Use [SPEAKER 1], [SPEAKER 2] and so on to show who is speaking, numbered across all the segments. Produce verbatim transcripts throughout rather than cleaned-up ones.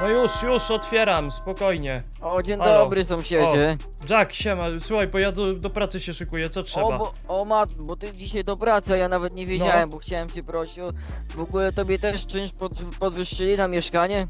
[SPEAKER 1] No już, już otwieram, spokojnie.
[SPEAKER 2] O, dzień
[SPEAKER 1] Halo.
[SPEAKER 2] dobry sąsiedzie.
[SPEAKER 1] Jack, siema, słuchaj, bo ja do, do pracy się szykuję, co trzeba?
[SPEAKER 2] O, bo, o mat, bo ty dzisiaj do pracy, a ja nawet nie wiedziałem, bo chciałem cię prosić o... W ogóle tobie też czynsz pod, podwyższyli na mieszkanie?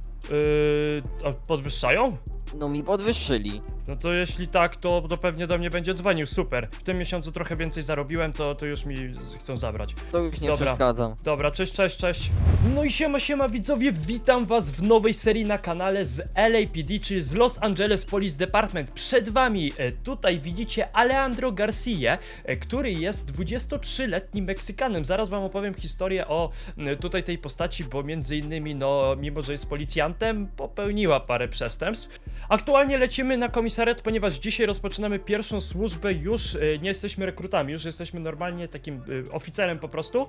[SPEAKER 1] Yy, a podwyższają?
[SPEAKER 2] No mi podwyższyli.
[SPEAKER 1] No to jeśli tak, to, to pewnie do mnie będzie dzwonił, super. W tym miesiącu trochę więcej zarobiłem, to, to już mi z- chcą zabrać.
[SPEAKER 2] To już nie
[SPEAKER 1] Dobra.
[SPEAKER 2] przeszkadzam.
[SPEAKER 1] Dobra, cześć, cześć, cześć. No i siema, siema widzowie, witam was w nowej serii na kanale z L A P D, czyli z Los Angeles Police Department. Przed wami e, tutaj widzicie Alejandro Garcia, e, który jest dwudziestotrzyletnim Meksykanem. Zaraz wam opowiem historię o e, tutaj tej postaci, bo między innymi, no, mimo że jest policjantem, popełniła parę przestępstw. Aktualnie lecimy na komisariat, ponieważ dzisiaj rozpoczynamy pierwszą służbę, już e, nie jesteśmy rekrutami, już jesteśmy normalnie takim e, oficerem po prostu.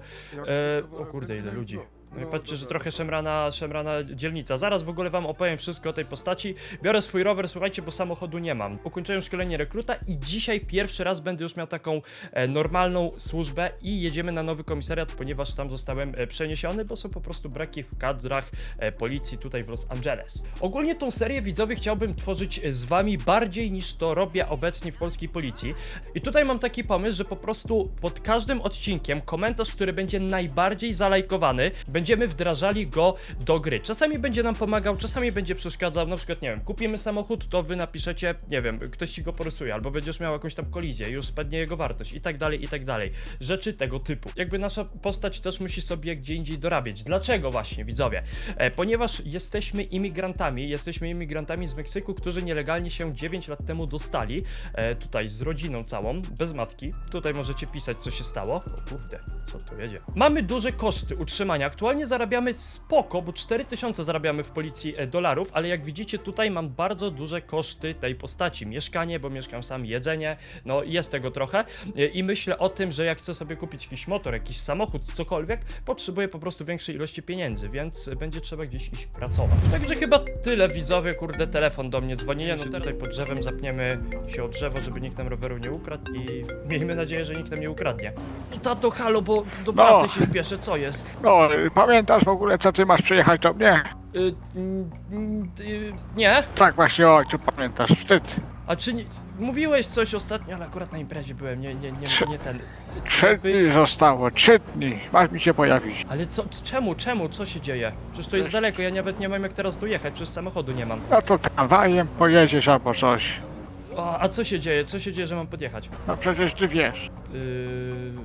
[SPEAKER 1] E, o kurde, ile ludzi. No i patrzcie, że trochę szemrana, szemrana dzielnica. Zaraz w ogóle wam opowiem wszystko o tej postaci. Biorę swój rower, słuchajcie, bo samochodu nie mam. Ukończyłem szkolenie rekruta i dzisiaj pierwszy raz będę już miał taką e, normalną służbę i jedziemy na nowy komisariat, ponieważ tam zostałem e, przeniesiony, bo są po prostu braki w kadrach e, policji tutaj w Los Angeles. Ogólnie tą serię, widzowie, chciałbym tworzyć e, z wami bardziej niż to robię obecnie w polskiej policji. I tutaj mam taki pomysł, że po prostu pod każdym odcinkiem komentarz, który będzie najbardziej zalajkowany, będziemy wdrażali go do gry. Czasami będzie nam pomagał, czasami będzie przeszkadzał. Na przykład, nie wiem, kupimy samochód, to wy napiszecie, nie wiem, ktoś ci go porysuje, albo będziesz miał jakąś tam kolizję, już spadnie jego wartość i tak dalej, i tak dalej. Rzeczy tego typu. Jakby nasza postać też musi sobie gdzie indziej dorabiać. Dlaczego właśnie, widzowie? E, ponieważ jesteśmy imigrantami, jesteśmy imigrantami z Meksyku, którzy nielegalnie się dziewięć lat temu dostali, e, tutaj z rodziną całą, bez matki. Tutaj możecie pisać, co się stało. O kurde, co tu jedzie? Mamy duże koszty utrzymania. Aktualnie zarabiamy spoko, bo cztery tysiące zarabiamy w policji e, dolarów, ale jak widzicie tutaj mam bardzo duże koszty tej postaci. Mieszkanie, bo mieszkam sam, jedzenie, no jest tego trochę e, i myślę o tym, że jak chcę sobie kupić jakiś motor, jakiś samochód, cokolwiek, potrzebuję po prostu większej ilości pieniędzy, więc będzie trzeba gdzieś iść pracować. Także chyba tyle, widzowie, kurde, telefon do mnie dzwoni, no tutaj pod drzewem zapniemy się o drzewo, żeby nikt nam roweru nie ukradł i miejmy nadzieję, że nikt nam nie ukradnie. Tato, halo, bo do pracy się śpieszę, co jest?
[SPEAKER 3] No, pamiętasz w ogóle, co ty masz przyjechać do mnie?
[SPEAKER 1] Y, mm, mm, y, nie?
[SPEAKER 3] Tak właśnie, ojcu, pamiętasz, wstyd.
[SPEAKER 1] A czy nie, mówiłeś coś ostatnio, ale akurat na imprezie byłem, nie, nie, nie,
[SPEAKER 3] Trzy-
[SPEAKER 1] nie ten.
[SPEAKER 3] Trzy
[SPEAKER 1] Jakby-
[SPEAKER 3] dni zostało, trzy dni, masz mi się pojawić.
[SPEAKER 1] Ale co, czemu, czemu, co się dzieje? Przecież to jest daleko, ja nawet nie mam jak teraz dojechać, przecież samochodu nie mam.
[SPEAKER 3] No to tramwajem pojedziesz albo coś.
[SPEAKER 1] A, a co się dzieje, co się dzieje, że mam podjechać?
[SPEAKER 3] No przecież ty wiesz.
[SPEAKER 1] Yy...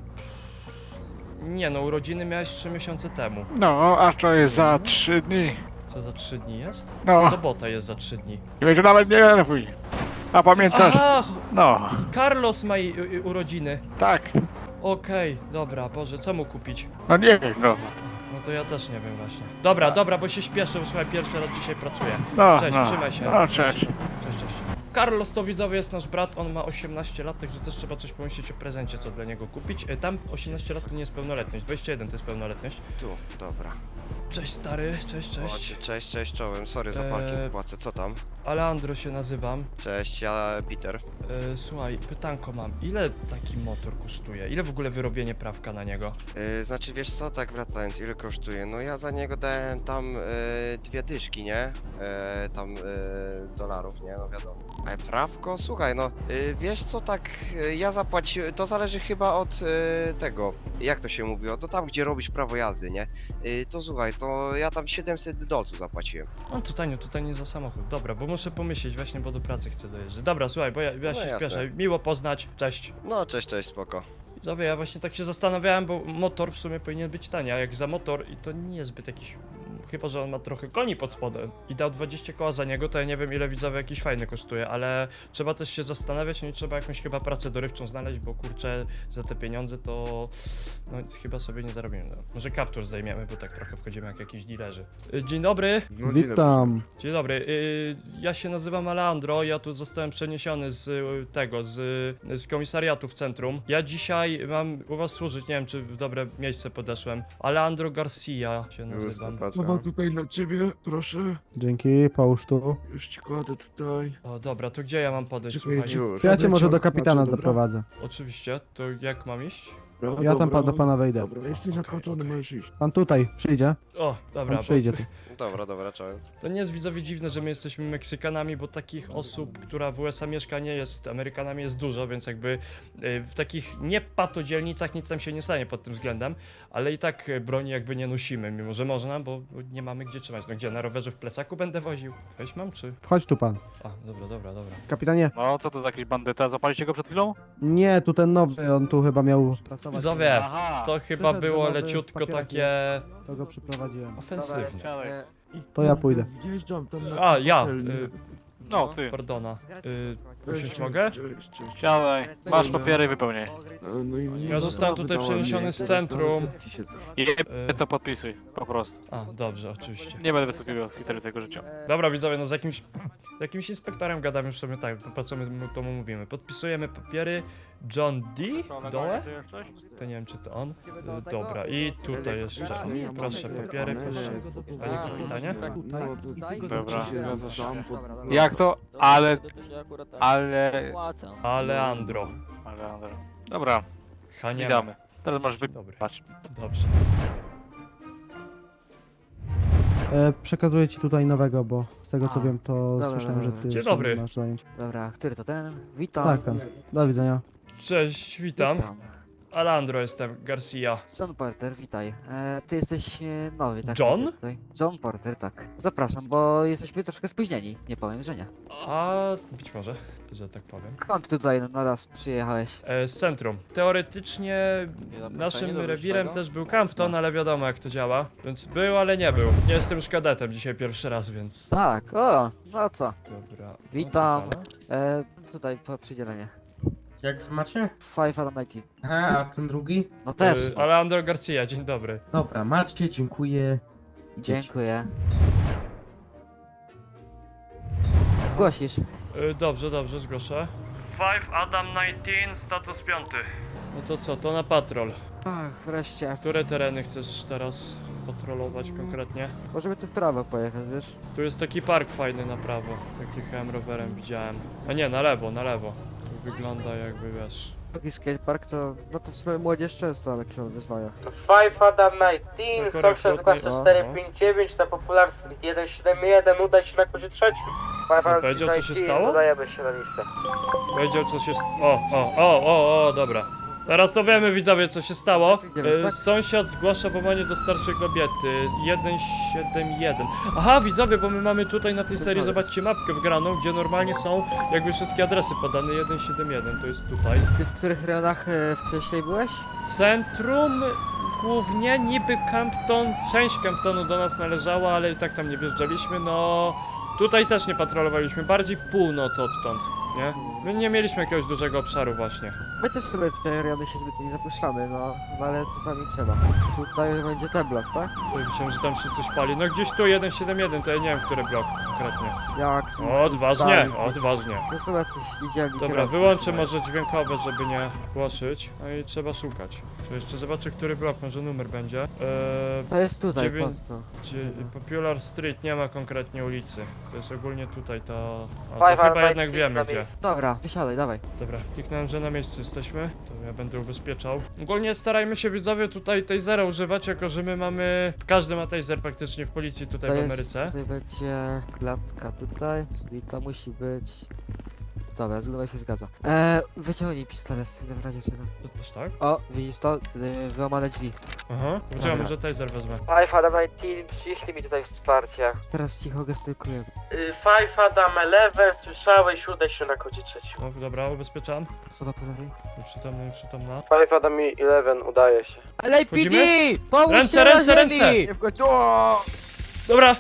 [SPEAKER 1] Nie no, urodziny miałeś trzy miesiące temu.
[SPEAKER 3] No, a to jest za trzy dni.
[SPEAKER 1] Co za trzy dni jest?
[SPEAKER 3] No,
[SPEAKER 1] Sobota jest za trzy dni.
[SPEAKER 3] i będzie nawet nie nerwuj. A pamiętasz?
[SPEAKER 1] Aha,
[SPEAKER 3] No,
[SPEAKER 1] Carlos ma i- i- urodziny.
[SPEAKER 3] tak.
[SPEAKER 1] Okej, dobra, Boże, co mu kupić?
[SPEAKER 3] No nie wiem, no.
[SPEAKER 1] No to ja też nie wiem właśnie. Dobra, dobra, bo się śpieszę, słuchaj, pierwszy raz dzisiaj pracuję.
[SPEAKER 3] No,
[SPEAKER 1] Cześć,
[SPEAKER 3] no.
[SPEAKER 1] trzymaj się.
[SPEAKER 3] No, cześć.
[SPEAKER 1] Cześć, cześć. Carlos to, widzowie, jest nasz brat, on ma osiemnaście lat, także też trzeba coś pomyśleć o prezencie, co dla niego kupić. E, Tam osiemnaście lat to nie jest pełnoletność, dwadzieścia jeden to jest pełnoletność.
[SPEAKER 4] Tu, dobra.
[SPEAKER 1] Cześć stary, cześć,
[SPEAKER 4] Cześć,
[SPEAKER 1] cześć.
[SPEAKER 4] cześć, cześć czołem. Sorry za parking
[SPEAKER 1] Eee.
[SPEAKER 4] płacę. Co tam?
[SPEAKER 1] Alejandro się nazywam.
[SPEAKER 4] Cześć, ja Peter.
[SPEAKER 1] E, Słuchaj, pytanko mam, ile taki motor kosztuje? Ile w ogóle wyrobienie prawka na niego?
[SPEAKER 4] Yy, znaczy wiesz co, tak wracając, ile kosztuje? No ja za niego dałem tam yy, dwie dyszki, nie? Yy, tam yy, dolarów, nie? No wiadomo. Ale prawko? Słuchaj, no yy, wiesz co, tak yy, ja zapłaciłem, to zależy chyba od yy, tego, jak to się mówiło, to tam gdzie robisz prawo jazdy, nie? Yy, to słuchaj, to ja tam siedemset dolców zapłaciłem.
[SPEAKER 1] No tutaj nie, tutaj nie za samochód. Dobra, bo muszę pomyśleć właśnie, bo do pracy chcę dojeżdżać. Dobra, słuchaj, bo ja, ja
[SPEAKER 4] No
[SPEAKER 1] się
[SPEAKER 4] jasne.
[SPEAKER 1] śpieszę. Miło poznać, cześć.
[SPEAKER 4] No cześć, cześć, spoko.
[SPEAKER 1] Widzowie, ja właśnie tak się zastanawiałem, bo motor w sumie powinien być tani, a jak za motor i to nie jest zbyt jakiś... Chyba że on ma trochę koni pod spodem i dał dwadzieścia koła za niego, to ja nie wiem ile, widzowie, jakiś fajny kosztuje, ale trzeba też się zastanawiać, no i trzeba jakąś chyba pracę dorywczą znaleźć, bo kurczę, za te pieniądze to no chyba sobie nie zarobimy. No. Może kaptur zdejmiemy, bo tak trochę wchodzimy jak jakiś dilerzy. Y, Dzień dobry.
[SPEAKER 5] No,
[SPEAKER 6] Witam.
[SPEAKER 1] Dzień dobry, y, ja się nazywam Alejandro, ja tu zostałem przeniesiony z y, tego, z, z komisariatu w centrum. Ja dzisiaj mam u was służyć, nie wiem czy w dobre miejsce podeszłem. Alejandro Garcia się nazywam.
[SPEAKER 5] Mowa tutaj dla ciebie, proszę.
[SPEAKER 6] Dzięki, połóż tu.
[SPEAKER 5] Już ci kładę tutaj.
[SPEAKER 1] O dobra, to gdzie ja mam podejść,
[SPEAKER 5] Czekaj,
[SPEAKER 1] słuchajcie?
[SPEAKER 5] już.
[SPEAKER 6] Ja cię może do
[SPEAKER 5] Zaciąg,
[SPEAKER 6] kapitana
[SPEAKER 5] znaczy, dobra.
[SPEAKER 6] zaprowadzę.
[SPEAKER 1] Oczywiście, to jak mam iść?
[SPEAKER 5] Dobra,
[SPEAKER 6] Ja tam
[SPEAKER 5] dobra,
[SPEAKER 6] pa, do pana wejdę.
[SPEAKER 5] Dobra, jesteś
[SPEAKER 4] Okej,
[SPEAKER 5] zakończony,
[SPEAKER 4] okej.
[SPEAKER 5] możesz iść.
[SPEAKER 6] Pan tutaj przyjdzie.
[SPEAKER 1] O, dobra,
[SPEAKER 6] Pan
[SPEAKER 1] bo
[SPEAKER 6] przyjdzie tu.
[SPEAKER 4] Dobra, dobra, czołem.
[SPEAKER 1] to nie jest widzowie dziwne, że my jesteśmy Meksykanami, bo takich osób, która w U S A mieszka, nie jest Amerykanami, jest dużo, więc jakby y, w takich nie patodzielnicach nic tam się nie stanie pod tym względem, ale i tak y, broni jakby nie nosimy, mimo że można, bo bo nie mamy gdzie trzymać. No gdzie, na rowerze w plecaku będę woził? Weź mam, czy?
[SPEAKER 6] Wchodź tu pan.
[SPEAKER 1] A, dobra, dobra, dobra.
[SPEAKER 6] Kapitanie.
[SPEAKER 3] No, co to za jakiś bandyta? Zapaliście go przed chwilą?
[SPEAKER 6] Nie, tu ten nowy, on tu chyba miał pracować.
[SPEAKER 1] Widzowie,
[SPEAKER 3] Aha!
[SPEAKER 1] to chyba
[SPEAKER 6] Przyszedł,
[SPEAKER 1] było
[SPEAKER 6] że nowy
[SPEAKER 1] leciutko
[SPEAKER 6] papierek
[SPEAKER 1] takie
[SPEAKER 6] To go przyprowadziłem.
[SPEAKER 1] ofensywnie.
[SPEAKER 2] e,
[SPEAKER 5] I
[SPEAKER 6] To ja pójdę.
[SPEAKER 5] Wjeżdżam tam na
[SPEAKER 1] A, ja,
[SPEAKER 5] hotel, nie?
[SPEAKER 1] y,
[SPEAKER 3] No, ty.
[SPEAKER 1] pardona. Y,
[SPEAKER 5] Cześć,
[SPEAKER 1] usiąść
[SPEAKER 5] cześć,
[SPEAKER 1] mogę?
[SPEAKER 5] Cześć, cześć.
[SPEAKER 3] Siadaj. Masz papiery i wypełniaj.
[SPEAKER 5] A, no i
[SPEAKER 1] Ja zostałem
[SPEAKER 5] no,
[SPEAKER 1] tutaj
[SPEAKER 5] wydała
[SPEAKER 1] przeniesiony
[SPEAKER 5] mnie,
[SPEAKER 1] z
[SPEAKER 5] teraz
[SPEAKER 1] centrum.
[SPEAKER 5] na recepcji siedzę.
[SPEAKER 3] I
[SPEAKER 1] Y,
[SPEAKER 3] to podpisuj, po prostu.
[SPEAKER 1] a, dobrze, oczywiście.
[SPEAKER 3] Nie będę wysokiego w historii tego życia.
[SPEAKER 1] Dobra, widzowie, no z jakimś, jakimś inspektorem gadamy w sobie tak, po co my mu- to mu mówimy. Podpisujemy papiery. John D. Dole? To nie wiem, czy to on. Y, Dobra, i tutaj jeszcze on. Proszę papiery, proszę. Panie kapitanie?
[SPEAKER 5] No, to tylko
[SPEAKER 3] Dobra,
[SPEAKER 5] ci się
[SPEAKER 3] zgadza się.
[SPEAKER 5] sam pod-
[SPEAKER 3] Jak to? Ale...
[SPEAKER 2] To się akurat tak
[SPEAKER 3] Ale...
[SPEAKER 2] opłaca.
[SPEAKER 1] Aleandro.
[SPEAKER 3] Ale... ale- Dobra,
[SPEAKER 1] Hania.
[SPEAKER 3] witamy. Teraz możesz
[SPEAKER 1] Dobry,
[SPEAKER 3] wypatrz.
[SPEAKER 1] dobrze.
[SPEAKER 6] E, przekazuję ci tutaj nowego, bo z tego co
[SPEAKER 2] A,
[SPEAKER 6] wiem, to
[SPEAKER 2] dobra,
[SPEAKER 6] słyszałem,
[SPEAKER 2] dobra,
[SPEAKER 6] że ty
[SPEAKER 1] Dzień
[SPEAKER 6] się
[SPEAKER 1] dobry.
[SPEAKER 6] masz zająć.
[SPEAKER 2] Dobra, który to ten? Witam.
[SPEAKER 6] Tak, ten. Do widzenia.
[SPEAKER 1] Cześć, witam.
[SPEAKER 2] Witam.
[SPEAKER 1] Alandro jestem, Garcia.
[SPEAKER 2] John Porter, witaj. E, ty jesteś e, nowy, tak?
[SPEAKER 1] John?
[SPEAKER 2] jesteś tutaj. John Porter, tak. Zapraszam, bo jesteśmy troszkę spóźnieni. Nie powiem, że nie.
[SPEAKER 1] A być może, że tak powiem.
[SPEAKER 2] Skąd tutaj na raz przyjechałeś?
[SPEAKER 1] E, z centrum. Teoretycznie naszym rewirem też był Campton, ale wiadomo jak to działa. Więc był, ale nie był. Nie jestem już kadetem dzisiaj pierwszy raz, więc...
[SPEAKER 2] Tak, o, no co?
[SPEAKER 1] Dobra.
[SPEAKER 2] Witam.
[SPEAKER 1] O, co pana?
[SPEAKER 2] E, tutaj po przydzielenie.
[SPEAKER 7] Jak macie?
[SPEAKER 2] Five Adam nineteen.
[SPEAKER 7] Aha, a ten drugi?
[SPEAKER 2] No też.
[SPEAKER 1] Y, Alejandro Garcia, dzień dobry.
[SPEAKER 7] Dobra, macie, dziękuję.
[SPEAKER 2] Dziękuję. Zgłosisz.
[SPEAKER 1] Y, dobrze, dobrze, zgłoszę. Five Adam dziewiętnaście, status piąty. No to co, to na patrol.
[SPEAKER 2] Ach, wreszcie.
[SPEAKER 1] Które tereny chcesz teraz patrolować konkretnie?
[SPEAKER 2] Możemy tu w prawo pojechać, wiesz?
[SPEAKER 1] Tu jest taki park fajny na prawo, jak jechałem rowerem, widziałem. A nie, na lewo, na lewo. Tu wygląda jakby, wiesz...
[SPEAKER 2] Taki skatepark to, no to w sumie młodzież często ale się wyzwania.
[SPEAKER 7] Five Adam
[SPEAKER 1] No,
[SPEAKER 7] dziewiętnaście,
[SPEAKER 1] korekt,
[SPEAKER 7] Fox
[SPEAKER 1] lotnie-
[SPEAKER 7] dwa cztery pięć dziewięć na Popular Street jeden siedem jeden, udaj się na kurze trzecim. Five
[SPEAKER 1] No, powiedział, co się stało?
[SPEAKER 7] Udajemy się na listę.
[SPEAKER 1] Powiedział co się... st- O, o, o, o, o, dobra. Teraz to wiemy, widzowie, co się stało.
[SPEAKER 2] Idziemy,
[SPEAKER 1] E,
[SPEAKER 2] tak?
[SPEAKER 1] sąsiad zgłasza włamanie do starszej kobiety. jeden siedem jeden. Aha, widzowie, bo my mamy tutaj na tej serii, zobaczcie, mapkę wgraną, gdzie normalnie są jakby wszystkie adresy podane. jeden siedem jeden, to jest tutaj.
[SPEAKER 2] Ty w których rejonach e, wcześniej byłeś?
[SPEAKER 1] Centrum, głównie niby Campton, część Camptonu do nas należała, ale i tak tam nie wjeżdżaliśmy, no... Tutaj też nie patrolowaliśmy, bardziej północ odtąd, nie? My nie mieliśmy jakiegoś dużego obszaru właśnie.
[SPEAKER 2] My też sobie w te rejony się zbyt nie zapuszczamy, no, no ale czasami trzeba. Tutaj będzie ten blok, tak?
[SPEAKER 1] Oj, myślałem, że tam się coś pali. No gdzieś tu jeden siedem jeden, to ja nie wiem, który blok konkretnie.
[SPEAKER 2] Jak? są-
[SPEAKER 1] O, odważnie,
[SPEAKER 2] stali, to-
[SPEAKER 1] odważnie.
[SPEAKER 2] To są jacyś niedzielni
[SPEAKER 1] Dobra,
[SPEAKER 2] kierowcy.
[SPEAKER 1] wyłączę może dźwiękowe, żeby nie głoszyć. No i trzeba szukać. To jeszcze zobaczę, który blok, może numer będzie. Eee,
[SPEAKER 2] To jest tutaj,
[SPEAKER 1] Dziewięć-
[SPEAKER 2] pod to.
[SPEAKER 1] gdzie Popular Street, nie ma konkretnie ulicy. To jest ogólnie tutaj, to... A
[SPEAKER 7] Five
[SPEAKER 1] to chyba
[SPEAKER 7] Armada
[SPEAKER 1] jednak
[SPEAKER 7] Street
[SPEAKER 1] wiemy
[SPEAKER 7] na
[SPEAKER 1] gdzie.
[SPEAKER 7] miejscu.
[SPEAKER 2] Dobra, wysiadaj, dawaj.
[SPEAKER 1] Dobra, kliknąłem, że na miejscu jesteśmy. To ja będę ubezpieczał. Ogólnie starajmy się, widzowie, tutaj tasera używać, jako że my mamy... Każdy ma taser praktycznie w policji tutaj
[SPEAKER 2] to
[SPEAKER 1] w
[SPEAKER 2] jest,
[SPEAKER 1] Ameryce.
[SPEAKER 2] tutaj będzie klatka tutaj, czyli to musi być... Dobra, zgoda się zgadza. Eee, wyciągnij pistolet, w razie czego.
[SPEAKER 1] Aż tak?
[SPEAKER 2] O, widzisz to? Yy, wyłamane drzwi.
[SPEAKER 1] Aha. Poczekaj,
[SPEAKER 2] Dobra.
[SPEAKER 1] może taser wezmę.
[SPEAKER 7] Five Adam dziewiętnaście, przyszli mi tutaj wsparcie.
[SPEAKER 2] Teraz cicho gestykuję.
[SPEAKER 7] Y, Five Adam jeden, słyszałeś, udaj się na kodzie trzecim.
[SPEAKER 1] No dobra, ubezpieczam.
[SPEAKER 2] Osoba po lewej.
[SPEAKER 1] Nieprzytomna, nieprzytomna.
[SPEAKER 7] Five Adam jeden, udaje się.
[SPEAKER 2] L A P D! Pomóż
[SPEAKER 1] Ręce,
[SPEAKER 2] się
[SPEAKER 1] ręce,
[SPEAKER 2] na ziemi!
[SPEAKER 1] ręce! Dobra,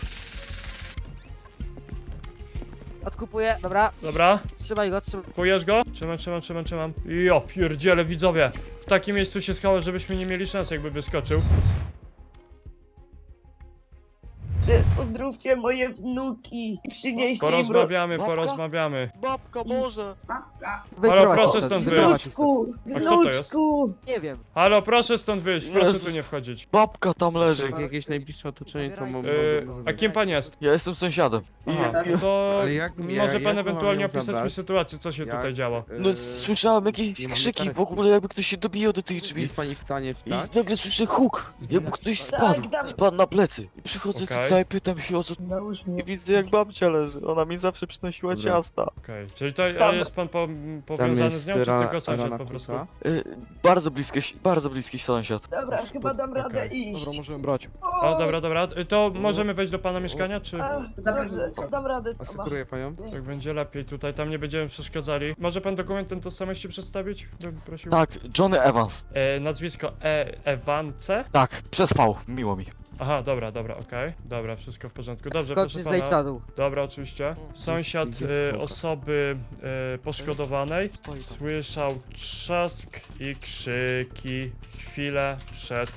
[SPEAKER 2] Odkupuję, dobra.
[SPEAKER 1] dobra.
[SPEAKER 2] Trzymaj go, trzymaj.
[SPEAKER 1] Kujesz go? Trzymam, trzymam, trzymam, trzymam. Jo, pierdziele, widzowie. W takim miejscu się schało, żebyśmy nie mieli szans, jakby wyskoczył.
[SPEAKER 8] Pozdrów zdrówcie moje wnuki i przynieście im
[SPEAKER 1] Porozmawiamy,
[SPEAKER 2] Babka?
[SPEAKER 1] porozmawiamy.
[SPEAKER 2] Babka, Boże!
[SPEAKER 1] proszę
[SPEAKER 2] ich
[SPEAKER 1] stąd
[SPEAKER 2] wyprowadź ich
[SPEAKER 8] wnuczku,
[SPEAKER 1] A kto to jest?
[SPEAKER 8] wnuczku.
[SPEAKER 2] Nie wiem.
[SPEAKER 1] Halo, proszę stąd wyjść, proszę
[SPEAKER 2] Jezus.
[SPEAKER 1] tu nie wchodzić.
[SPEAKER 2] Babka tam leży.
[SPEAKER 5] Jak jakieś najbliższe otoczenie, to mogą...
[SPEAKER 1] Yy, a kim pan jest?
[SPEAKER 2] Ja jestem sąsiadem. I,
[SPEAKER 1] Aha,
[SPEAKER 2] i,
[SPEAKER 1] to
[SPEAKER 5] Ale jak-
[SPEAKER 1] może
[SPEAKER 5] ja-
[SPEAKER 1] pan
[SPEAKER 5] jak mam
[SPEAKER 1] ewentualnie
[SPEAKER 5] ją
[SPEAKER 1] opisać mi
[SPEAKER 5] zabrać?
[SPEAKER 1] sytuację, co się
[SPEAKER 5] Jak?
[SPEAKER 1] tutaj działo.
[SPEAKER 2] no
[SPEAKER 5] Yy,
[SPEAKER 2] słyszałem jakieś
[SPEAKER 5] nie mamy
[SPEAKER 2] krzyki, w
[SPEAKER 5] karetki.
[SPEAKER 2] ogóle jakby ktoś się dobijał do tych drzwi.
[SPEAKER 5] Jest pani w stanie
[SPEAKER 2] I
[SPEAKER 5] wstać?
[SPEAKER 2] nagle słyszę huk, jakby ktoś spadł,
[SPEAKER 8] Tak, tak.
[SPEAKER 2] spadł na plecy. I przychodzę
[SPEAKER 1] Okej.
[SPEAKER 2] tutaj, pytam się o co...
[SPEAKER 8] Nałóż
[SPEAKER 2] I
[SPEAKER 8] mnie.
[SPEAKER 2] widzę jak babcia leży, ona mi zawsze przynosiła
[SPEAKER 5] Dobra.
[SPEAKER 2] ciasta.
[SPEAKER 1] Okej, czyli to a
[SPEAKER 8] Tam-
[SPEAKER 1] jest pan po,
[SPEAKER 5] Tam
[SPEAKER 1] powiązany
[SPEAKER 5] jest
[SPEAKER 1] z nią, czy
[SPEAKER 5] ra-
[SPEAKER 1] tylko sąsiad
[SPEAKER 5] rana
[SPEAKER 1] po prostu?
[SPEAKER 5] kuka.
[SPEAKER 2] Y, bardzo bliski, bardzo bliski sąsiad.
[SPEAKER 8] Dobra, chyba dam radę
[SPEAKER 1] Okej.
[SPEAKER 8] iść.
[SPEAKER 5] możemy brać.
[SPEAKER 1] O, dobra, dobra, to możemy wejść do pana mieszkania, czy...
[SPEAKER 8] A, dobrze, dam radę sama.
[SPEAKER 5] Asekuruję panią.
[SPEAKER 1] Tak będzie lepiej tutaj, tam nie będziemy przeszkadzali. Może pan dokument ten tożsamości przedstawić? Bym prosił.
[SPEAKER 2] Tak, Johnny Evans.
[SPEAKER 1] E, nazwisko e Ewance?
[SPEAKER 2] Tak, przez V, miło mi.
[SPEAKER 1] Aha, dobra, dobra, okej. Dobra, wszystko w porządku. Dobrze,
[SPEAKER 2] Skocz
[SPEAKER 1] proszę
[SPEAKER 2] zejdź
[SPEAKER 1] pana.
[SPEAKER 2] na dół.
[SPEAKER 1] Dobra, oczywiście. Sąsiad e, osoby e, poszkodowanej słyszał trzask i krzyki chwilę przed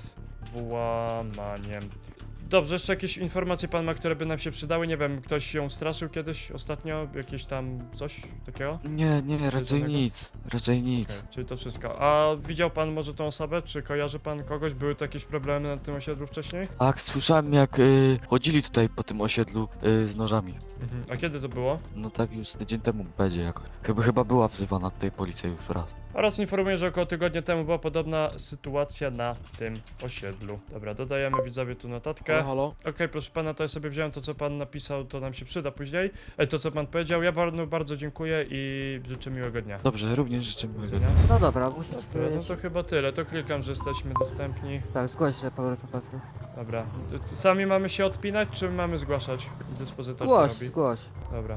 [SPEAKER 1] włamaniem. Dobrze, jeszcze jakieś informacje pan ma, które by nam się przydały? Nie wiem, ktoś ją straszył kiedyś ostatnio? Jakieś tam coś takiego?
[SPEAKER 2] Nie, nie, raczej
[SPEAKER 1] Jednego?
[SPEAKER 2] nic, raczej nic.
[SPEAKER 1] Okej, czyli to wszystko. A widział pan może tą osobę? Czy kojarzy pan kogoś? Były tu jakieś problemy na tym osiedlu wcześniej?
[SPEAKER 2] Tak, słyszałem jak y, chodzili tutaj po tym osiedlu y, z nożami.
[SPEAKER 1] Mhm. A kiedy to było?
[SPEAKER 2] No tak już z tydzień temu będzie jakoś. Chyba, chyba była wzywana tutaj policja już raz.
[SPEAKER 1] Oraz informuję, że około tygodnia temu była podobna sytuacja na tym osiedlu. Dobra, dodajemy widzowie tu notatkę.
[SPEAKER 2] halo?
[SPEAKER 1] Okej, proszę pana, to ja sobie wziąłem to, co pan napisał, to nam się przyda później. E, to, co pan powiedział, ja bardzo, bardzo dziękuję i życzę miłego dnia.
[SPEAKER 2] Dobrze, również życzę
[SPEAKER 1] Do
[SPEAKER 2] miłego
[SPEAKER 1] widzenia.
[SPEAKER 2] dnia.
[SPEAKER 9] No dobra, musisz
[SPEAKER 1] Dobra, no
[SPEAKER 9] powiedzieć.
[SPEAKER 1] to chyba tyle, to klikam, że jesteśmy dostępni.
[SPEAKER 9] Tak, zgłoś się po prostu patrz.
[SPEAKER 1] Dobra, T- sami mamy się odpinać, czy mamy zgłaszać? Dyspozytor to
[SPEAKER 9] Zgłoś,
[SPEAKER 1] robi.
[SPEAKER 9] zgłoś.
[SPEAKER 1] Dobra.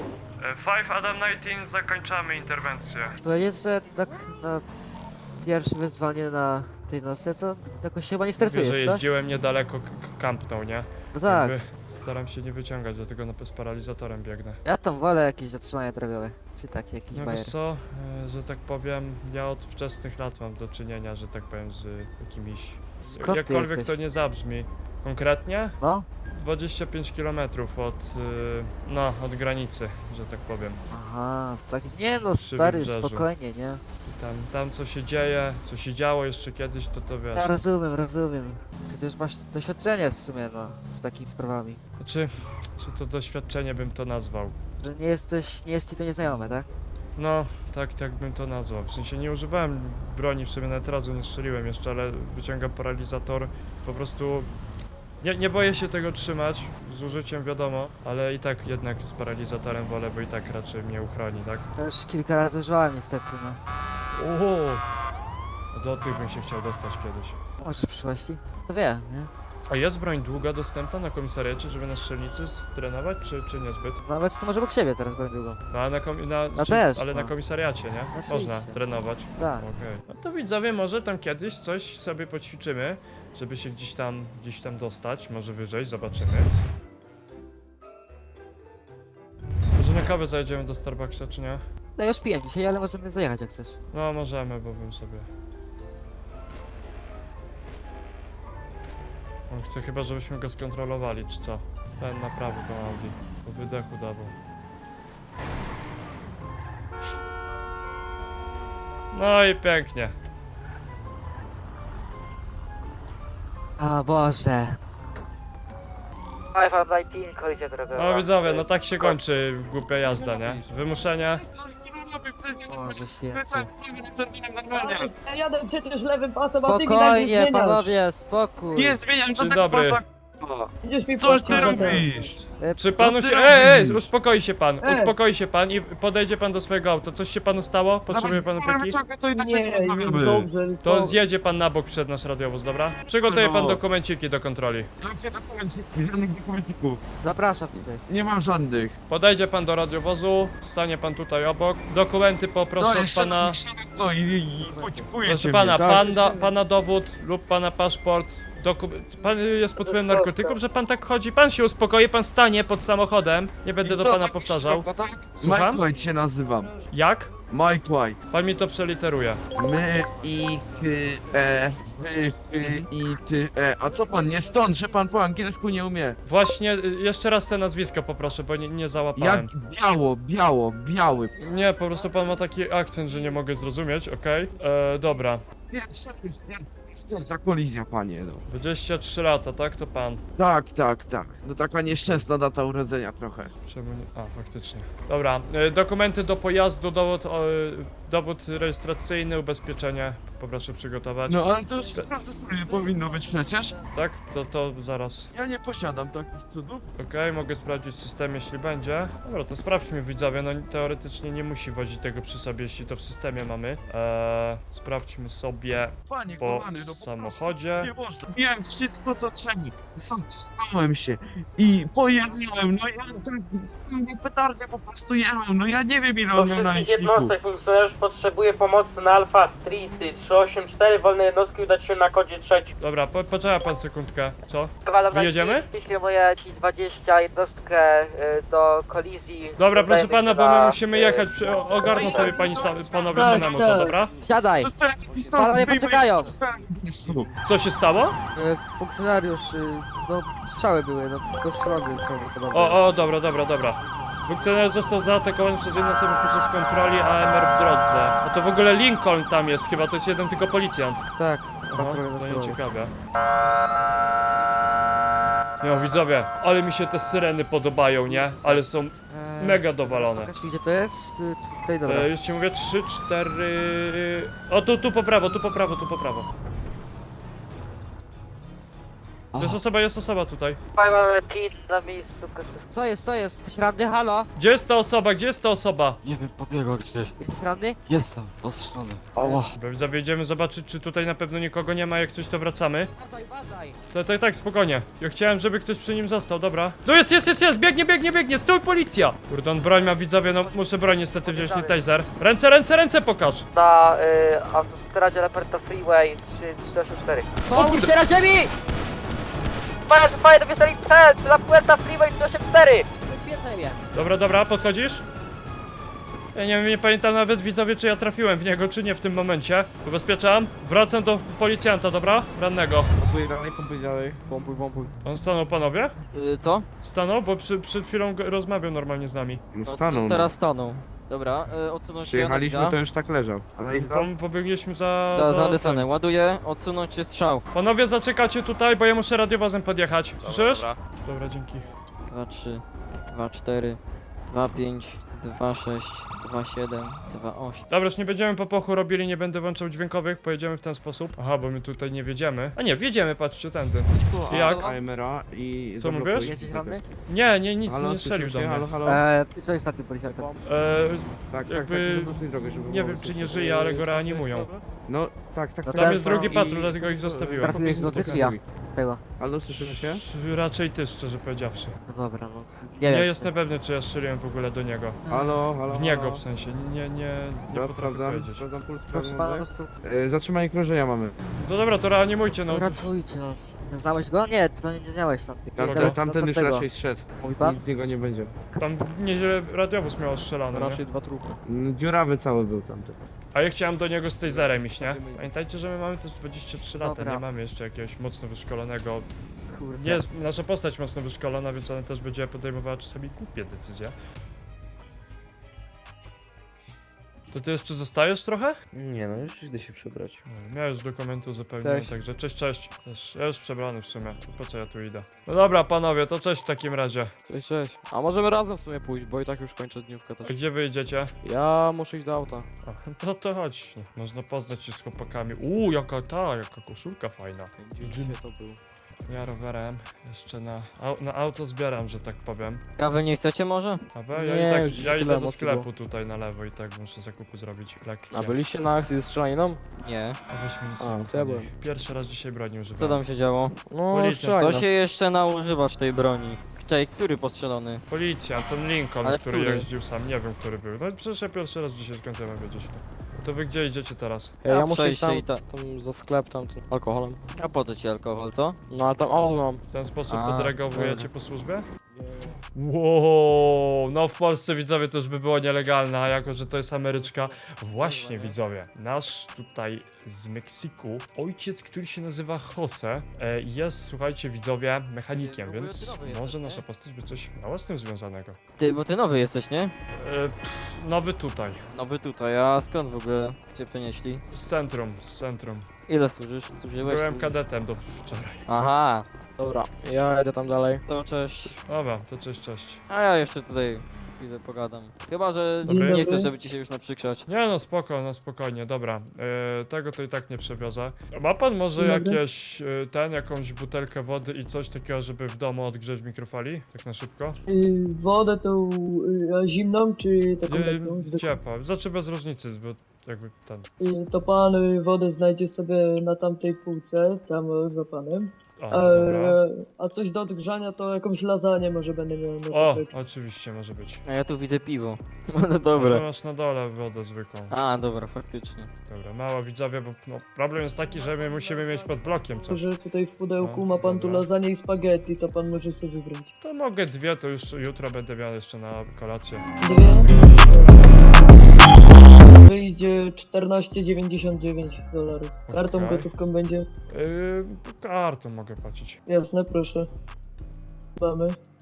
[SPEAKER 1] five Adam dziewiętnaście, zakończamy interwencję.
[SPEAKER 9] Powiedzieć, że tak na pierwsze wyzwanie na tej nocy, to jakoś się chyba nie
[SPEAKER 1] Mówię,
[SPEAKER 9] stresujesz,
[SPEAKER 1] że
[SPEAKER 9] co?
[SPEAKER 1] jeździłem niedaleko, k- k- kampnął, nie?
[SPEAKER 9] No tak,
[SPEAKER 1] Jakby staram się nie wyciągać, dlatego na z paralizatorem biegnę.
[SPEAKER 9] ja tam wolę jakieś zatrzymania drogowe. Czy tak, jakiś
[SPEAKER 1] No
[SPEAKER 9] bajer.
[SPEAKER 1] wiesz co, e, że tak powiem, ja od wczesnych lat mam do czynienia, że tak powiem, z jakimiś...
[SPEAKER 9] Skąd ty
[SPEAKER 1] Jakkolwiek
[SPEAKER 9] jesteś?
[SPEAKER 1] to nie zabrzmi. Konkretnie?
[SPEAKER 9] No?
[SPEAKER 1] dwadzieścia pięć kilometrów od, y, no, od granicy, że tak powiem.
[SPEAKER 9] Aha, tak, nie no,
[SPEAKER 1] Przy
[SPEAKER 9] stary,
[SPEAKER 1] wybrzeżu.
[SPEAKER 9] spokojnie, nie?
[SPEAKER 1] I tam, tam co się dzieje, co się działo jeszcze kiedyś, to to wiesz.
[SPEAKER 9] Ja rozumiem, rozumiem. Przecież masz doświadczenie w sumie, no, z takimi sprawami.
[SPEAKER 1] Znaczy, czy to doświadczenie bym to nazwał?
[SPEAKER 9] Że nie jesteś, nie jest ci to nieznajome, tak?
[SPEAKER 1] No, tak, tak bym to nazwał. W sensie nie używałem broni, w sumie nawet razu nie strzeliłem jeszcze, ale wyciągam paralizator. Po prostu nie, nie boję się tego trzymać, z użyciem wiadomo, ale i tak jednak z paralizatorem wolę, bo i tak raczej mnie uchroni, tak?
[SPEAKER 9] Ja już kilka razy używałem niestety, no.
[SPEAKER 1] Oho! Do tych bym się chciał dostać kiedyś.
[SPEAKER 9] Może w przyszłości? To wiem, nie?
[SPEAKER 1] A jest broń długa dostępna na komisariacie, żeby na strzelnicy strenować, czy, czy niezbyt?
[SPEAKER 9] Nawet to może obok siebie teraz broń długą.
[SPEAKER 1] No, ale na, komi- na,
[SPEAKER 9] No
[SPEAKER 1] czy,
[SPEAKER 9] też,
[SPEAKER 1] ale
[SPEAKER 9] no.
[SPEAKER 1] na komisariacie, nie?
[SPEAKER 9] Oczywiście.
[SPEAKER 1] Można trenować.
[SPEAKER 9] Tak.
[SPEAKER 1] Okej. No to widzowie, może tam kiedyś coś sobie poćwiczymy, żeby się gdzieś tam, gdzieś tam dostać, może wyżej, zobaczymy. Może na kawę zajedziemy do Starbucksa, czy nie?
[SPEAKER 9] No ja już piję dzisiaj, ale możemy zajechać jak chcesz.
[SPEAKER 1] No, możemy, bo bym sobie... On chce chyba, żebyśmy go skontrolowali, czy co? Ten na prawo tą Audi. Po wydechu dawał. No i pięknie.
[SPEAKER 9] O Boże.
[SPEAKER 2] five Adam dziewiętnaście, kolizja drogowa.
[SPEAKER 1] No widzowie, no tak się kończy głupia jazda, nie? Wymuszenie.
[SPEAKER 9] Boże święty.
[SPEAKER 8] Ja jadę przecież lewym pasem, a ty mi tak nie
[SPEAKER 9] Spokojnie,
[SPEAKER 8] zmieniasz.
[SPEAKER 9] panowie, spokój.
[SPEAKER 3] Nie zmieniam
[SPEAKER 1] Dzień
[SPEAKER 3] żadnego
[SPEAKER 1] dobry.
[SPEAKER 3] pasa.
[SPEAKER 8] Idziesz mi
[SPEAKER 3] Coś
[SPEAKER 8] po
[SPEAKER 3] ty
[SPEAKER 8] ścianę.
[SPEAKER 3] robisz?
[SPEAKER 9] E,
[SPEAKER 1] Czy
[SPEAKER 3] Co
[SPEAKER 1] panu
[SPEAKER 3] ty
[SPEAKER 1] się...
[SPEAKER 3] robisz?
[SPEAKER 1] Ej, ej, uspokoi się pan,
[SPEAKER 8] Ej.
[SPEAKER 1] uspokoi się pan i podejdzie pan do swojego auta. Coś się panu stało? Potrzebuje pan opieki?
[SPEAKER 3] To inaczej
[SPEAKER 8] Nie, już
[SPEAKER 3] rozmawiamy.
[SPEAKER 8] dobrze.
[SPEAKER 1] To zjedzie pan na bok przed nasz radiowóz, dobra? Przygotuje pan
[SPEAKER 3] No.
[SPEAKER 1] dokumenciki do kontroli.
[SPEAKER 3] Jakie dokumenciki? Żadnych dokumencików.
[SPEAKER 9] Zapraszam tutaj.
[SPEAKER 3] Nie mam żadnych.
[SPEAKER 1] Podejdzie pan do radiowozu, stanie pan tutaj obok. Dokumenty poproszę
[SPEAKER 3] No,
[SPEAKER 1] od pana.
[SPEAKER 3] No i, i, i pociskujecie
[SPEAKER 1] Proszę
[SPEAKER 3] mnie,
[SPEAKER 1] pana,
[SPEAKER 3] tak?
[SPEAKER 1] pan da, pana dowód lub pana paszport. Doku... Pan jest pod wpływem narkotyków, że pan tak chodzi? Pan się uspokoi, pan stanie pod samochodem. Nie będę
[SPEAKER 3] I
[SPEAKER 1] do
[SPEAKER 3] co,
[SPEAKER 1] pana
[SPEAKER 3] tak
[SPEAKER 1] powtarzał.
[SPEAKER 3] szybko, tak?
[SPEAKER 1] Słucham?
[SPEAKER 3] Mike White się nazywam.
[SPEAKER 1] Jak?
[SPEAKER 3] Mike White.
[SPEAKER 1] Pan mi to przeliteruje.
[SPEAKER 3] My, I, K, E, wy, wy i ty, e, a co pan, nie stąd, że pan po angielsku nie umie?
[SPEAKER 1] Właśnie, y, jeszcze raz te nazwiska poproszę, bo nie, nie
[SPEAKER 3] Jak
[SPEAKER 1] załapałem.
[SPEAKER 3] biało, biało, biały.
[SPEAKER 1] Nie, po prostu pan ma taki akcent, że nie mogę zrozumieć, okej? E, dobra.
[SPEAKER 3] Pierwsza, pierwsza, pierwsza kolizja, panie, no.
[SPEAKER 1] dwadzieścia trzy lata, tak? To pan.
[SPEAKER 3] Tak, tak, tak. No taka nieszczęsna data urodzenia trochę.
[SPEAKER 1] Czemu nie? A, faktycznie. Dobra, e, dokumenty do pojazdu, dowód, o, e, dowód rejestracyjny, ubezpieczenie. Poproszę przygotować.
[SPEAKER 3] No ale to już sprawdzę sobie, powinno być przecież.
[SPEAKER 1] Tak? To, to zaraz.
[SPEAKER 3] Ja nie posiadam takich cudów.
[SPEAKER 1] Okej, mogę sprawdzić system, jeśli będzie. Dobra, to sprawdźmy widzowie, no teoretycznie nie musi wozić tego przy sobie, jeśli to w systemie mamy. Eee, sprawdźmy sobie
[SPEAKER 3] Panie
[SPEAKER 1] po
[SPEAKER 3] kochany, no po
[SPEAKER 1] samochodzie.
[SPEAKER 3] Nie można. Wiem wszystko co trzeba. Zatrzymałem się i pojechałem. No ja tak nie petardę po prostu jechałem. No ja nie wiem ile
[SPEAKER 7] Do
[SPEAKER 3] on miał na
[SPEAKER 7] wszystkich
[SPEAKER 3] liczniku.
[SPEAKER 7] jednostek funkcjonariusz potrzebuje pomocy na Alfa Street trzy osiem cztery, wolne jednostki udać się na kodzie trzecim.
[SPEAKER 1] Dobra, po, poczekaj pan sekundkę. Co?
[SPEAKER 9] Kawalem
[SPEAKER 1] Wyjedziemy?
[SPEAKER 9] Kieruję ci dwadzieścia jednostkę y, do kolizji.
[SPEAKER 1] Dobra, proszę
[SPEAKER 9] Udajemy
[SPEAKER 1] pana,
[SPEAKER 9] się
[SPEAKER 1] bo my
[SPEAKER 9] na,
[SPEAKER 1] musimy
[SPEAKER 9] y,
[SPEAKER 1] jechać, przy, o- ogarną sobie pani sam, panowie
[SPEAKER 9] Tak,
[SPEAKER 1] samemu to,
[SPEAKER 9] tak.
[SPEAKER 1] dobra?
[SPEAKER 9] Siadaj!
[SPEAKER 3] To tak, pistolet
[SPEAKER 9] Panowie
[SPEAKER 3] wyjmę i
[SPEAKER 9] poczekają.
[SPEAKER 3] strzelam.
[SPEAKER 1] Co się stało?
[SPEAKER 9] Y, funkcjonariusz, y, no strzały były, no tylko strzelony prawdopodobnie.
[SPEAKER 1] O, o, dobra, dobra, dobra. Funkcjonariusz został zaatakowany przez jedną osobę podczas kontroli A M R w drodze. No to w ogóle Lincoln tam jest, chyba to jest jeden tylko policjant.
[SPEAKER 9] Tak,
[SPEAKER 1] Aha,
[SPEAKER 9] patroluję na
[SPEAKER 1] to
[SPEAKER 9] sobą.
[SPEAKER 1] nie ciekawe. No widzowie, ale mi się te syreny podobają, nie? Ale są
[SPEAKER 9] Eee,
[SPEAKER 1] mega dowalone.
[SPEAKER 9] Pokaż mi gdzie to jest? Y, Tutaj dobra.
[SPEAKER 1] E, już ci mówię, trzy, cztery... O, tu, tu po prawo, tu po prawo, tu po prawo. Jest osoba, jest osoba tutaj.
[SPEAKER 7] Mamy kit na miejscu.
[SPEAKER 9] Co jest, co jest? Jesteś ranny? Halo?
[SPEAKER 1] Gdzie jest ta osoba, gdzie jest ta osoba?
[SPEAKER 5] Nie wiem, pobiegła gdzieś.
[SPEAKER 9] Jesteś ranny?
[SPEAKER 5] Jestem, ostrzelony. Ała.
[SPEAKER 1] Bo Zawiedziemy zobaczyć, czy tutaj na pewno nikogo nie ma, jak coś to wracamy.
[SPEAKER 9] Uważaj, uważaj!
[SPEAKER 1] Tak, tak, tak, spokojnie. Ja chciałem, żeby ktoś przy nim został, dobra. Tu jest, jest, jest, jest, biegnie, biegnie, biegnie, stój policja! Kurde, on broń ma, widzowie, no muszę broń niestety wziąć, nie taser. Ręce, ręce, ręce pokaż!
[SPEAKER 7] Na y, autostradzie Leperta Freeway trzy osiem cztery.
[SPEAKER 9] Pomóż się na ziemi!
[SPEAKER 7] Fire, fire, dowieszali cel! La Puerta Freeway trzy osiem cztery!
[SPEAKER 9] Bezpieczaj mnie!
[SPEAKER 1] Dobra, dobra, podchodzisz? Ja nie wiem, nie pamiętam nawet, widzowie, czy ja trafiłem w niego, czy nie w tym momencie. Ubezpieczam. Wracam do policjanta, dobra? Rannego.
[SPEAKER 3] Pompuj dalej, pompuj dalej.
[SPEAKER 5] Pompuj, pompuj.
[SPEAKER 1] On stanął, panowie?
[SPEAKER 2] Y, co?
[SPEAKER 1] Stanął, bo przy, przed chwilą go- rozmawiał normalnie z nami.
[SPEAKER 3] No
[SPEAKER 2] No,
[SPEAKER 3] stanął. no.
[SPEAKER 2] teraz stanął. Dobra, y, odsunąć się.
[SPEAKER 3] Przyjechaliśmy,
[SPEAKER 2] Analiza.
[SPEAKER 3] to już tak leżał. Ale
[SPEAKER 1] Po, pobiegliśmy za...
[SPEAKER 2] Da,
[SPEAKER 1] za
[SPEAKER 2] zadesanę. Ładuję, odsunąć się strzał.
[SPEAKER 1] Panowie, zaczekacie tutaj, bo ja muszę radiowozem podjechać. Słyszysz? Dobra, dzięki.
[SPEAKER 2] dwa trzy, dwa cztery, dwa pięć, dwa sześć, dwa siedem, dwa osiem.
[SPEAKER 1] Dobra, już nie będziemy po pochu robili, nie będę włączał dźwiękowych, pojedziemy w ten sposób. Aha, bo my tutaj nie wiedziemy. A nie, wiedziemy, patrzcie, tędy. Jak?
[SPEAKER 3] A M R A i
[SPEAKER 1] Co
[SPEAKER 3] zablokuj.
[SPEAKER 1] mówisz?
[SPEAKER 9] Jesteś ranny?
[SPEAKER 1] Nie, nie, nic
[SPEAKER 3] Halo,
[SPEAKER 1] nie strzelił do
[SPEAKER 3] słyszycie?
[SPEAKER 1] mnie.
[SPEAKER 3] Halo, halo.
[SPEAKER 9] Eee, co jest na tym policjantem?
[SPEAKER 1] Eee,
[SPEAKER 3] Tak, tak,
[SPEAKER 1] jakby-
[SPEAKER 3] tak, zablokuj drogę, żeby
[SPEAKER 1] nie
[SPEAKER 3] było
[SPEAKER 1] wiem, czy nie
[SPEAKER 3] słychać.
[SPEAKER 1] żyje, ale go reanimują.
[SPEAKER 3] No, tak, tak,
[SPEAKER 9] No
[SPEAKER 3] tak.
[SPEAKER 1] Tam jest drugi
[SPEAKER 3] I-
[SPEAKER 1] patrol, dlatego ich zostawiłem.
[SPEAKER 9] Trafiłeś go ty czy ja? Tego.
[SPEAKER 3] Halo, słyszymy się?
[SPEAKER 1] Raczej ty, szczerze powiedziawszy.
[SPEAKER 9] No dobra, no.
[SPEAKER 1] Nie
[SPEAKER 9] Nie, wiem.
[SPEAKER 1] jestem pewny, czy ja strzeliłem w ogóle do niego.
[SPEAKER 3] Halo, halo,
[SPEAKER 1] W niego
[SPEAKER 3] halo.
[SPEAKER 1] w sensie, nie, nie, nie
[SPEAKER 3] Dobra,
[SPEAKER 1] potrafię
[SPEAKER 3] sprawdzam,
[SPEAKER 1] powiedzieć.
[SPEAKER 3] sprawdzam puls,
[SPEAKER 9] Proszę
[SPEAKER 3] sprawdzam
[SPEAKER 9] pana, po
[SPEAKER 3] oddech.
[SPEAKER 9] prostu
[SPEAKER 3] E, Zatrzymanie krążenia mamy.
[SPEAKER 1] No dobra, to reanimujcie, no.
[SPEAKER 9] ratujcie, no. Znałeś go? Nie, ty pewnie nie znałeś tamtych.
[SPEAKER 3] Tamten,
[SPEAKER 1] Kogo?
[SPEAKER 3] tamten już
[SPEAKER 9] tamtego.
[SPEAKER 3] raczej zszedł.
[SPEAKER 9] Mówi pan?
[SPEAKER 3] Nic z niego nie będzie.
[SPEAKER 1] Tam nieźle radiowóz miał strzelany, nie?
[SPEAKER 5] Raczej dwa trupy.
[SPEAKER 3] Mm, Dziurawy cały był tamten.
[SPEAKER 1] A ja chciałem do niego z taserem iść, nie? Pamiętajcie, że my mamy też dwadzieścia trzy lata,
[SPEAKER 9] Dobra.
[SPEAKER 1] nie mamy jeszcze jakiegoś mocno wyszkolonego.
[SPEAKER 9] Kurde.
[SPEAKER 1] Nie jest nasza postać mocno wyszkolona, więc ona też będzie podejmowała czasami głupie decyzje. To ty jeszcze zostajesz trochę?
[SPEAKER 5] Nie no, już idę się przebrać.
[SPEAKER 1] No, miałeś dokumentu zupełnie,
[SPEAKER 9] Cześć.
[SPEAKER 1] także cześć, cześć. Też, ja już przebrany w sumie, po co ja tu idę? No dobra, panowie, to cześć w takim razie.
[SPEAKER 5] Cześć, cześć. A możemy razem w sumie pójść, bo i tak już kończę dniówkę
[SPEAKER 1] A
[SPEAKER 5] też.
[SPEAKER 1] gdzie wy idziecie?
[SPEAKER 5] Ja muszę iść do auta.
[SPEAKER 1] A, to to chodź, można poznać się z chłopakami. Uuu, jaka ta, jaka koszulka fajna.
[SPEAKER 5] Gdzie dzisiaj to był?
[SPEAKER 1] Ja rowerem, jeszcze na, au, na auto zbieram, że tak powiem.
[SPEAKER 2] Kawy nie chcecie może?
[SPEAKER 1] A we, ja
[SPEAKER 5] Nie,
[SPEAKER 1] i tak,
[SPEAKER 5] już
[SPEAKER 1] ja
[SPEAKER 5] tyle
[SPEAKER 1] idę do
[SPEAKER 5] emocji
[SPEAKER 1] sklepu
[SPEAKER 5] było.
[SPEAKER 1] tutaj na lewo i tak muszę zakupy zrobić lekkie.
[SPEAKER 5] A byliście na akcji ze strzelaniną?
[SPEAKER 2] Nie.
[SPEAKER 1] A weź mi nic
[SPEAKER 5] A,
[SPEAKER 1] nie
[SPEAKER 5] to ja
[SPEAKER 1] mów,
[SPEAKER 5] byłem.
[SPEAKER 1] nie. Pierwszy raz dzisiaj broni używam.
[SPEAKER 2] Co tam się działo?
[SPEAKER 5] No,
[SPEAKER 1] Policja,
[SPEAKER 5] strzelaj
[SPEAKER 2] To
[SPEAKER 5] nas.
[SPEAKER 2] się jeszcze naużywasz tej broni. Czekaj, który postrzelony?
[SPEAKER 1] Policjant, ten Lincoln,
[SPEAKER 2] Ale
[SPEAKER 1] który
[SPEAKER 2] który?
[SPEAKER 1] jeździł sam, nie wiem, który był. No przecież ja pierwszy raz dzisiaj, skąd ja mam wiedzieć to. No to wy gdzie idziecie teraz?
[SPEAKER 5] Ja, ja
[SPEAKER 2] A,
[SPEAKER 5] muszę iść
[SPEAKER 2] przejście
[SPEAKER 5] tam,
[SPEAKER 2] i
[SPEAKER 5] tam za sklep, tam tym alkoholem.
[SPEAKER 2] A po co ci alkohol, co?
[SPEAKER 5] No ale tam auto mam.
[SPEAKER 1] W ten sposób
[SPEAKER 2] A,
[SPEAKER 1] podregowujecie
[SPEAKER 5] dobra.
[SPEAKER 1] po służbie? Wow, no w Polsce widzowie to już by było nielegalne, a jako, że to jest Ameryczka. Właśnie widzowie, nasz tutaj z Meksyku ojciec, który się nazywa Jose, e, jest, słuchajcie widzowie, mechanikiem, więc może nasza postać by coś miała z tym związanego.
[SPEAKER 2] Ty, bo ty nowy jesteś, nie?
[SPEAKER 1] E, pff, nowy tutaj,
[SPEAKER 2] Nowy tutaj, a skąd w ogóle cię przenieśli?
[SPEAKER 1] z centrum, z centrum.
[SPEAKER 2] Ile służysz? Służyłeś?
[SPEAKER 1] Byłem kadetem do wczoraj.
[SPEAKER 2] Aha,
[SPEAKER 5] Dobra, ja jedę tam dalej.
[SPEAKER 2] to cześć.
[SPEAKER 1] Dobra, to cześć, cześć.
[SPEAKER 2] A ja jeszcze tutaj chwilę pogadam. Chyba, że
[SPEAKER 1] Dobry.
[SPEAKER 2] nie chcesz, żeby ci się już naprzykrzać.
[SPEAKER 1] Nie no, spoko, no spokojnie, dobra. E, tego to i tak nie przewiozę. Ma pan może
[SPEAKER 8] Dzień dobry.
[SPEAKER 1] jakieś, e, ten, jakąś butelkę wody i coś takiego, żeby w domu odgrzeć mikrofali? Tak na szybko?
[SPEAKER 8] Y, wodę tą y, zimną, czy taką
[SPEAKER 1] E,
[SPEAKER 8] taką zwykłą?
[SPEAKER 1] ciepła, znaczy bez różnicy, bo jakby ten...
[SPEAKER 8] Y, to pan y, wodę znajdzie sobie na tamtej półce, tam y, za panem.
[SPEAKER 1] O, dobra.
[SPEAKER 8] E, a coś do odgrzania to jakąś lasagne może będę miał. na
[SPEAKER 1] O,
[SPEAKER 8] tapecie.
[SPEAKER 1] oczywiście, może być.
[SPEAKER 2] A ja tu widzę piwo. No
[SPEAKER 1] Może
[SPEAKER 2] dobra.
[SPEAKER 1] masz na dole wodę zwykłą.
[SPEAKER 2] A, dobra, faktycznie.
[SPEAKER 1] Dobra, mało widzowie, bo no, problem jest taki, że my musimy mieć pod blokiem coś.
[SPEAKER 8] Że tutaj w pudełku
[SPEAKER 1] O,
[SPEAKER 8] ma pan tu
[SPEAKER 1] dobra.
[SPEAKER 8] lasagne i spaghetti, to pan może sobie wybrać.
[SPEAKER 1] To mogę dwie, to już jutro będę miał jeszcze na kolację.
[SPEAKER 8] Dwie. Wyjdzie czternaście dziewięćdziesiąt dziewięć dolarów. Kartą
[SPEAKER 1] Okej.
[SPEAKER 8] gotówką będzie?
[SPEAKER 1] Yy, kartą mogę płacić.
[SPEAKER 8] Jasne, proszę. Mamy.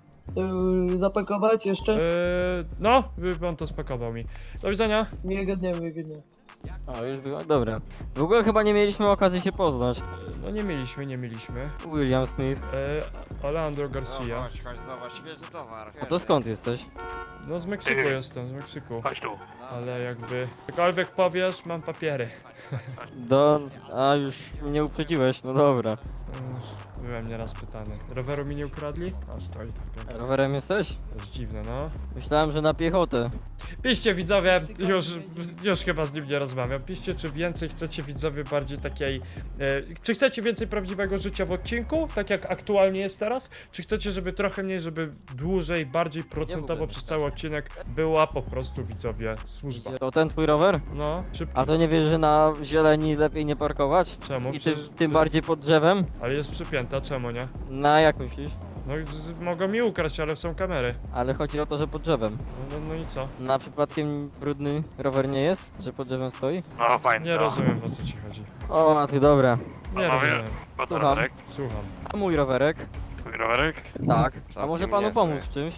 [SPEAKER 8] Yy, zapakować jeszcze?
[SPEAKER 1] Yy, no, by pan to spakował mi. Do widzenia.
[SPEAKER 8] Miłego dnia, miłego dnia.
[SPEAKER 2] O, już było. Dobra. W ogóle chyba nie mieliśmy okazji się poznać.
[SPEAKER 1] Yy, no nie mieliśmy, nie mieliśmy.
[SPEAKER 2] William Smith.
[SPEAKER 1] Yy, Alejandro
[SPEAKER 4] No
[SPEAKER 1] Garcia.
[SPEAKER 4] chodź, chodź, zobacz, świeży towar.
[SPEAKER 2] A to skąd jesteś?
[SPEAKER 1] No z Meksyku jestem, z Meksyku.
[SPEAKER 10] Chodź tu.
[SPEAKER 1] Ale jakby... Cokolwiek powiesz, mam papiery.
[SPEAKER 2] Do... A, już mnie uprzedziłeś, no dobra.
[SPEAKER 1] Yy, byłem nieraz pytany. Roweru mi nie ukradli? A stoi tak pięknie.
[SPEAKER 2] Rowerem jesteś?
[SPEAKER 1] To jest dziwne, no.
[SPEAKER 2] Myślałem, że na piechotę.
[SPEAKER 1] Piszcie widzowie, już, już chyba z nim nie rozmawiam. Piszcie, czy więcej chcecie widzowie bardziej takiej... E, czy chcecie więcej prawdziwego życia w odcinku, tak jak aktualnie jest teraz? Czy chcecie, żeby trochę mniej, żeby dłużej, bardziej procentowo przez cały odcinek była po prostu widzowie służba?
[SPEAKER 2] To ten twój rower?
[SPEAKER 1] No, szybko.
[SPEAKER 2] A to nie wiesz, że na zieleni lepiej nie parkować?
[SPEAKER 1] Czemu?
[SPEAKER 2] I tym,
[SPEAKER 1] Przecież-
[SPEAKER 2] tym bardziej pod drzewem?
[SPEAKER 1] Ale jest przypięta, czemu nie?
[SPEAKER 2] Na jak myślisz?
[SPEAKER 1] No z, z, mogą mi ukraść, ale są kamery.
[SPEAKER 2] Ale chodzi o to, że pod drzewem.
[SPEAKER 1] No, no, no i co?
[SPEAKER 2] Na przypadkiem brudny rower nie jest? Że pod drzewem stoi?
[SPEAKER 10] No fajnie.
[SPEAKER 1] Nie
[SPEAKER 10] no.
[SPEAKER 1] rozumiem, o co ci chodzi.
[SPEAKER 2] O, a ty dobra.
[SPEAKER 1] Nie
[SPEAKER 10] Panowie?
[SPEAKER 1] rozumiem.
[SPEAKER 10] Po to
[SPEAKER 2] Słucham.
[SPEAKER 10] rowerek?
[SPEAKER 1] Słucham.
[SPEAKER 2] A mój rowerek?
[SPEAKER 10] Twój rowerek?
[SPEAKER 2] Tak. A
[SPEAKER 4] Całkiem
[SPEAKER 2] może panu
[SPEAKER 4] niezły.
[SPEAKER 2] pomóc w czymś?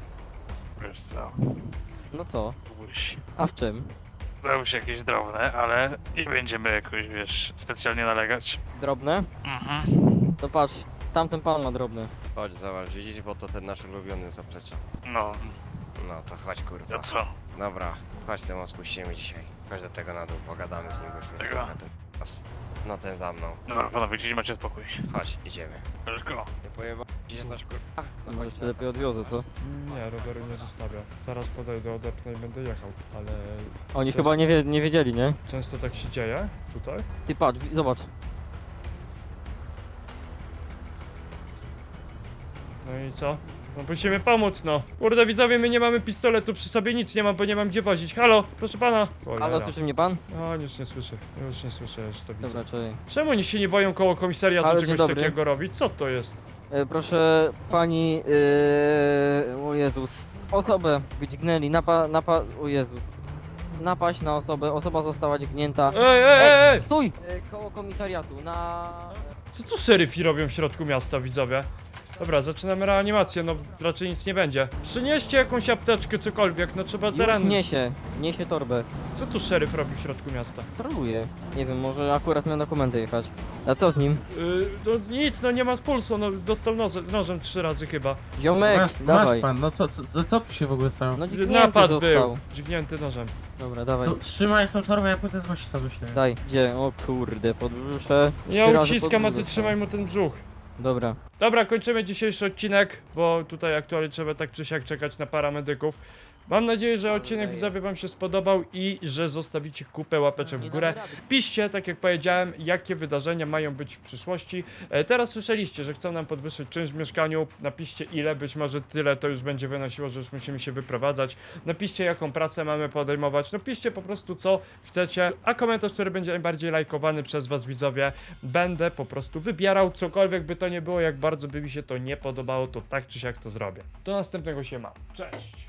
[SPEAKER 10] Wiesz co,
[SPEAKER 2] No co?
[SPEAKER 10] byłeś...
[SPEAKER 2] A w czym?
[SPEAKER 10] Dały się jakieś drobne, ale nie będziemy jakoś, wiesz, specjalnie nalegać.
[SPEAKER 2] Drobne?
[SPEAKER 10] Mhm.
[SPEAKER 2] To patrz, tamten pan ma drobne.
[SPEAKER 4] Chodź, zobacz, widzisz, bo to ten nasz ulubiony zaplecza.
[SPEAKER 10] No,
[SPEAKER 4] No to chodź, kurwa.
[SPEAKER 10] to co?
[SPEAKER 4] Dobra, chodź, ten odpuścimy dzisiaj. Chodź do tego na dół, pogadamy z nim. byśmy
[SPEAKER 10] Tego?
[SPEAKER 4] trochę ten czas. No ten za mną.
[SPEAKER 10] Dobra, panowie, gdzieś macie spokój.
[SPEAKER 4] Chodź, idziemy.
[SPEAKER 10] Let's go.
[SPEAKER 4] Nie pojeba ci się coś, kurwa? No
[SPEAKER 2] Może
[SPEAKER 4] chodź,
[SPEAKER 2] cię lepiej odwiozę, co?
[SPEAKER 1] Nie, roweru nie zostawię. Zaraz podejdę, odepnę i będę jechał. Ale
[SPEAKER 2] Oni
[SPEAKER 1] To
[SPEAKER 2] chyba
[SPEAKER 1] jest-
[SPEAKER 2] nie, wie, nie wiedzieli, nie?
[SPEAKER 1] często tak się dzieje tutaj.
[SPEAKER 2] Ty patrz, wi- zobacz.
[SPEAKER 1] No i co? No musimy pomóc, no. Kurde widzowie, my nie mamy pistoletu przy sobie, nic nie mam, bo nie mam gdzie wozić. Halo, proszę pana. Cholera.
[SPEAKER 2] Ale słyszy mnie pan?
[SPEAKER 1] No, już nie słyszę, już nie słyszę, już to widzę.
[SPEAKER 2] Dobra, czyli.
[SPEAKER 1] Czemu oni się nie boją koło komisariatu
[SPEAKER 2] Halo, dzień
[SPEAKER 1] czegoś
[SPEAKER 2] dobry.
[SPEAKER 1] takiego robić? Co to jest?
[SPEAKER 2] E, proszę pani, yy, o Jezus, osobę dźgnęli, napa, napa, o Jezus. Napaść na osobę, osoba została dźgnięta.
[SPEAKER 1] Ej, ej, ej, ej!
[SPEAKER 2] Stój! E, koło komisariatu, na...
[SPEAKER 1] Co tu szeryfi robią w środku miasta, widzowie? Dobra, zaczynamy reanimację, no raczej nic nie będzie. Przynieście jakąś apteczkę, cokolwiek, no trzeba
[SPEAKER 2] Już
[SPEAKER 1] teren.
[SPEAKER 2] niesie, niesie torbę.
[SPEAKER 1] Co tu szeryf robi w środku miasta?
[SPEAKER 2] Troluje. Nie wiem, może akurat miał na komendę jechać. A co z nim?
[SPEAKER 1] Yy, no nic, no nie ma pulsu, no dostał nożem, nożem trzy razy chyba.
[SPEAKER 2] Ziomek,
[SPEAKER 6] Masz,
[SPEAKER 2] dawaj.
[SPEAKER 6] masz pan, no co, co, co tu się w ogóle stało?
[SPEAKER 2] No dźgnięty
[SPEAKER 1] Napad
[SPEAKER 2] został.
[SPEAKER 1] był, dźgnięty nożem.
[SPEAKER 2] Dobra, dawaj.
[SPEAKER 6] To trzymaj tą torbę, ja pójdę zgłosić sobie się.
[SPEAKER 2] Daj, gdzie? O kurde, podbrzusze.
[SPEAKER 1] Ja
[SPEAKER 2] Trzy razy
[SPEAKER 1] uciskam, a ty
[SPEAKER 2] podbrzusze.
[SPEAKER 1] trzymaj mu ten brzuch.
[SPEAKER 2] Dobra.
[SPEAKER 1] Dobra, kończymy dzisiejszy odcinek, bo tutaj aktualnie trzeba tak czy siak czekać na paramedyków. Mam nadzieję, że
[SPEAKER 2] Ale
[SPEAKER 1] odcinek
[SPEAKER 2] daję.
[SPEAKER 1] widzowie wam się spodobał i że zostawicie kupę łapeczek w górę. Piszcie, tak jak powiedziałem, jakie wydarzenia mają być w przyszłości. E, teraz słyszeliście, że chcą nam podwyższyć czynsz w mieszkaniu. Napiszcie ile, być może tyle to już będzie wynosiło, że już musimy się wyprowadzać. Napiszcie, jaką pracę mamy podejmować. Napiszcie po prostu, co chcecie, a komentarz, który będzie najbardziej lajkowany przez was widzowie, będę po prostu wybierał. Cokolwiek by to nie było, jak bardzo by mi się to nie podobało, to tak czy siak to zrobię. Do następnego się ma. Cześć!